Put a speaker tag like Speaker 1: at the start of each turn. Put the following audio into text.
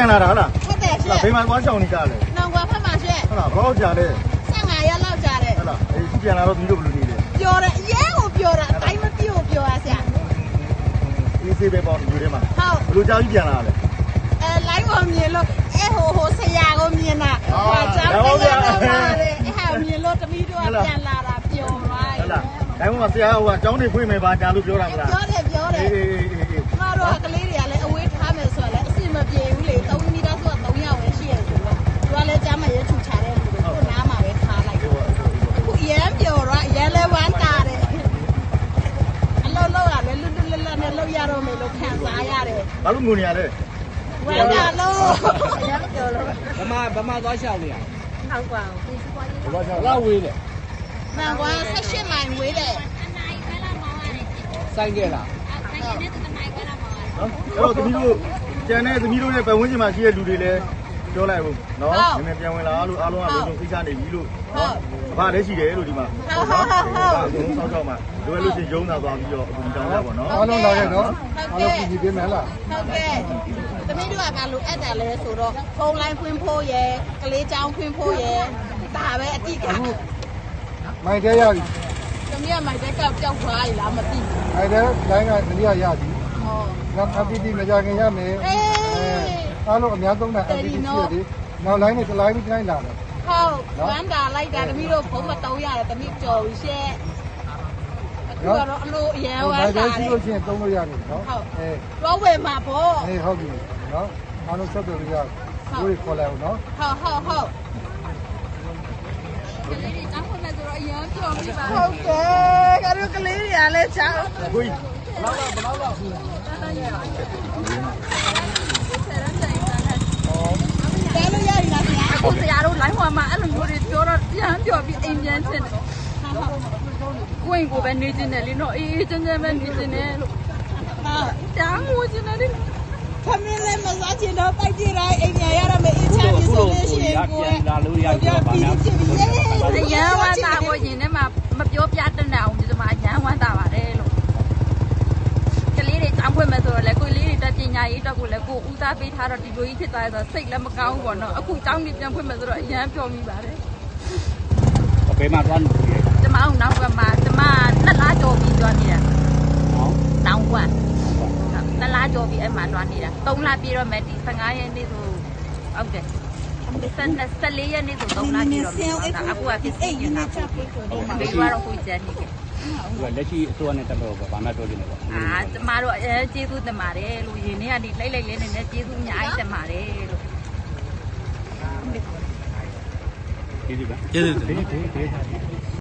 Speaker 1: ပြန်လာတာဟုတ်လား
Speaker 2: ဟုတ်တယ်ရှင့်
Speaker 1: ဘေးမှာသွားချောင်းနေကြတယ်
Speaker 2: နောင်ကွာဖက်မှာရှင့်
Speaker 1: ဟုတ်လားဘယ်တော့ကြာလဲ
Speaker 2: 15ရက်လောက်ကြာတယ်
Speaker 1: ဟုတ်လားအေးသူပြန်လာတော့ပြီးလို့ဘယ်လိုနေလဲ
Speaker 2: ပြောတယ်အရင်ကိုပြောတာအတိုင်းမပြည့်ကိုပြောရဆရာ
Speaker 1: အေးဆေးပဲပေါ့ယူထဲမှာ
Speaker 2: ဟုတ်
Speaker 1: ဘယ်လိုကြာကြီးပြန်လာလဲ
Speaker 2: လိုင်းကိုမြင်လို့ဟိုဆရာကိုမြင်တာဟာကြောင်းတရားတော့ပါတယ်မြင်လို့တမီးတို့ကပြန်လာတာပျော်သွား
Speaker 1: ဟုတ်လားဒါမှမဟုတ်ဆရာဟိုကကျောင်းနေဖွင့်မယ်ပါကြာလို့ပြောတာမလား
Speaker 2: ပြောတယ်
Speaker 1: အေး
Speaker 2: ကျမတို့ကကလေးတွေကလည်းအဝေးထားမယ်ဆိုတော့လည်းအဆင်မပြေဘူးလေ3မီတာဆိုတာ3ယောက်ပဲရှိရဆိုတော့သူကလည်းကြားမရဲချူချတဲ့လူတွေကိုနားမှာပဲထားလိုက်ခုအရန်ပျော်တော့အရန်လဲဝမ်းတာတယ်အလုံးလုံးကလည်းလွတ်လွတ်လပ်လပ်နဲ့လုပ်ရတော့မယ်လို့ခံစားရတယ်
Speaker 1: ဘာလို့ငိုနေရလဲ
Speaker 2: ဝမ်းတာလို့အရန်ပျော်လို့
Speaker 3: ဗမာသွားရှောက်နေရ
Speaker 2: ဟုတ်ပါဘူး
Speaker 3: လောက်ဝေးတယ်
Speaker 2: ။မှန်ကွာ18မိုင်ဝေးတယ်
Speaker 3: စိုင်းခဲ့လား
Speaker 1: နော်အဲ့တော့သမီးတို့ကျန်တဲ့သမီးတို့ရဲ့ပတ်ဝန်းကျင်မှာရှိတဲ့လူတွေလည်းပြောလိုက်ဘူးနော်နည်းနည်းပြန်ဝင်လာလို့အားလုံးကလုံးလုံးဖိချနေပြီလို့နော်ဘာလည်းရှိတယ်လို့ဒီမှာဟုတ်ဆောက်ဆောက်မှာလိုလို့ရှိရင်ရုံးတာသွားပြီးတော့အခုတောင်းတာပေါ့နော်
Speaker 4: အားလုံးလာခဲ့နော်အားလုံးပြည်ပြင်းမယ်လား
Speaker 2: ။ဟုတ်ကဲ့။သမီးတို့ကဘာလို့အဲ့တာလဲဆိုတော့ဖုန်းလိုင်းဖွင့်ဖို့ရယ်ကလေးချောင်းဖွင့်ဖို့ရယ်ဒါပဲအတိတ်က
Speaker 4: မိုင်တဲရပြီ
Speaker 2: သမီးကမိုက်တဲ့ကောက်ကြောက်သွားရလားမသိဘူး
Speaker 4: မိုင်တဲလိုင်းကတနည်းရပြီ
Speaker 2: ။ဟော
Speaker 4: နောက် FPT မကြခင်ရမယ်
Speaker 2: အေး
Speaker 4: အားလုံးအများဆုံးတဲ့ FPT ရှိရတယ်နောက်လိုင်းနဲ့တစ်လိုင်းပြီးတိုင်းလာတယ်
Speaker 2: ဟုတ်ဝမ်းတာလိုက်တာသမီးတို့ဖုန်းမတုံးရတယ်သမီးကြော်ပြီးရှက်အခုကတော့အလိုအရန်ဝ
Speaker 4: မို
Speaker 2: မ်း
Speaker 4: င်တဲ
Speaker 2: တာတ
Speaker 4: ရှိ
Speaker 2: ယ်
Speaker 4: လို့ရှိရင်သုံးလို့ရတယ်နော်အဲ
Speaker 2: တော့ဝယ်မှာပေါ့
Speaker 4: အေးဟုတ်ပြီနော်အားလုံးဆက်သွယ်လို့ရတယ်ကိုယ်ခေါ်လိုက်အောင်နော်
Speaker 2: ဟုတ်ကလေးတွေတောင်းခွင့်မဲ့ဆိုတော့အရန်ပြောပြီးပါဟုတ်ကဲ့ကတို့ကလေးတွေကလည်းချောင်း
Speaker 1: ကိုကြီး
Speaker 2: တဲလို့ရည်လားခင်ဗျာ
Speaker 5: အခုဆရာတို့လိုင်းပေါ်မှာအဲ့လိုမျိုးတွေပြောတော့ပြန်ပြောပြီးအိမ်ပြန်ချင်တယ်ကိုင်ကိုပဲနေချင်တယ်လေနော်အေးအေးချမ်းချမ်းပဲနေချင်တယ်လို့
Speaker 2: ဟာ
Speaker 5: တောင်းငိုချင်တယ်လေ
Speaker 2: ခမင်းလည်းမစားချင်တော့တိုက်ကြည့်တိုင်းအိမ်ညာရရမယ်အင်းချမ်းပြီဆိုလို့ရှိရင်ကိုယ်လာလို့ရပြီပါဗျာ
Speaker 5: အရန်ဝမ်းသာဖို့ရင်ထဲမှာမပြောပြတတ်တဲ့အောင်ဒီမှာအရန်ဝမ်းသာပါတယ်လို့ကလေးတွေတောင်းခွင့်မဲ့ဆိုတော့လေကိုလေးတွေတက်ပညာရေးတော့ကိုလည်းကိုဦးစားပေးထားတော့ဒီလိုကြီးဖြစ်သွားရဆိုစိတ်လည်းမကောင်းဘူးပေါ့နော်အခုတောင်းနေပြန်ခွင့်မဲ့ဆိုတော့အရန်ပျော်မိပါတယ်
Speaker 3: ဘယ်မှာသွားနေလဲ
Speaker 5: ကျမအောင်နောက်ကမှကျမ2လကျော်ပြီးသွားနေတာ
Speaker 3: ဟော
Speaker 5: တောင်းကွာ2လကျော်ပြီးအဲ့မှာသွားနေတာ3လပြည့်တော့မယ်ဒီ15ရက်နေ့ဆိုဟုတ်တယ်14ရက်နေ့ဆို3လပြည့်တော့မယ်အခုကဖြစ်စီနေတာဒီကတော့ကိုကျန်နေတယ်
Speaker 3: သူကလက်ရှိအစိုးရနဲ့တက်တော့ဘာမှပြောချင်တယ်ပေါ့
Speaker 5: ကျမတို့ကျေးဇူးတင်ပါတယ်လို့ယင်နေ့ကနေလိုက်လေးနဲ့ကျေးဇူးအများကြီးတင်ပါတယ်လို့
Speaker 3: ကျေးဇူးပါကျေးဇူး